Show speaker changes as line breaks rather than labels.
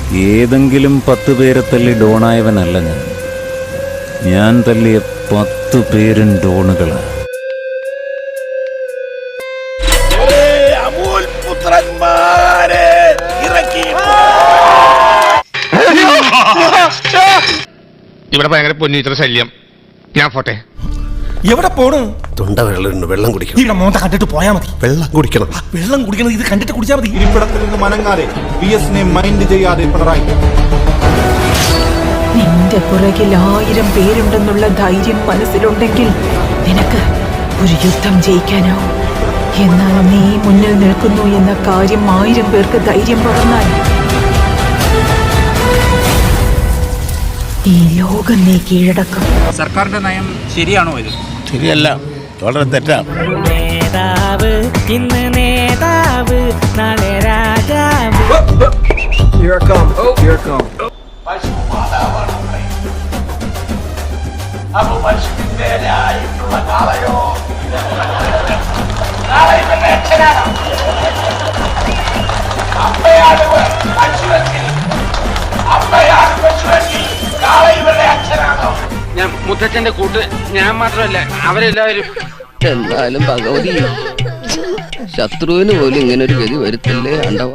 ഏതെങ്കിലും 10 പേരെ തല്ലി ഡോണായവനല്ല ഞാൻ തല്ലിയ 10 പേരും ഡോണുകളാണ്.
ഇവിടെ ഭയങ്കര പൊന്നിത്ര ശല്യം. ഞാൻ പോട്ടെ.
എവിടെ പോണ്?
തൊണ്ട വെള്ളം കുടിക്കണം.
ഇവിടെ മോന്ത കണ്ടിട്ട് പോയാ മതി.
വെള്ളം കുടിക്കണം.
വെള്ളം കുടിക്കണം, ഇത് കണ്ടിട്ട് കുടിച്ചാൽ മതി.
ഇരിപ്പിടത്തിൽ നിന്ന് മനങ്ങാതെ VS-നെ മൈൻഡ് ചെയ്യാതെ പിണറായി.
നിന്റെ പുറകിൽ 1000 പേരുണ്ടെന്നുള്ള ധൈര്യം മനസ്സിലുണ്ടെങ്കിൽ നിനക്ക് ഒരു യുദ്ധം ജയിക്കാനാവും. എന്നാൽ നീ മുന്നിൽ നിൽക്കുന്നു എന്ന കാര്യം 1000 പേർക്ക് ധൈര്യം പകർന്നാൽ ഈ ലോകം നീ കീഴടക്കും.
സർക്കാരിന്റെ നയം ശരിയാണോ ഇത്?
ശരിയല്ല, വളരെ തെറ്റാണ്.
നേതാവ് ഇന്ന് നേതാവ് നാളെ രാജാവ്.
ഞാൻ മുത്തച്ഛന്റെ കൂട്ട് ഞാൻ മാത്രമല്ല അവരെല്ലാവരും.
എന്നാലും ഭഗവതി ശത്രുവിന് പോലും ഇങ്ങനെ ഒരു ഗതി വരുത്തില്ലേ.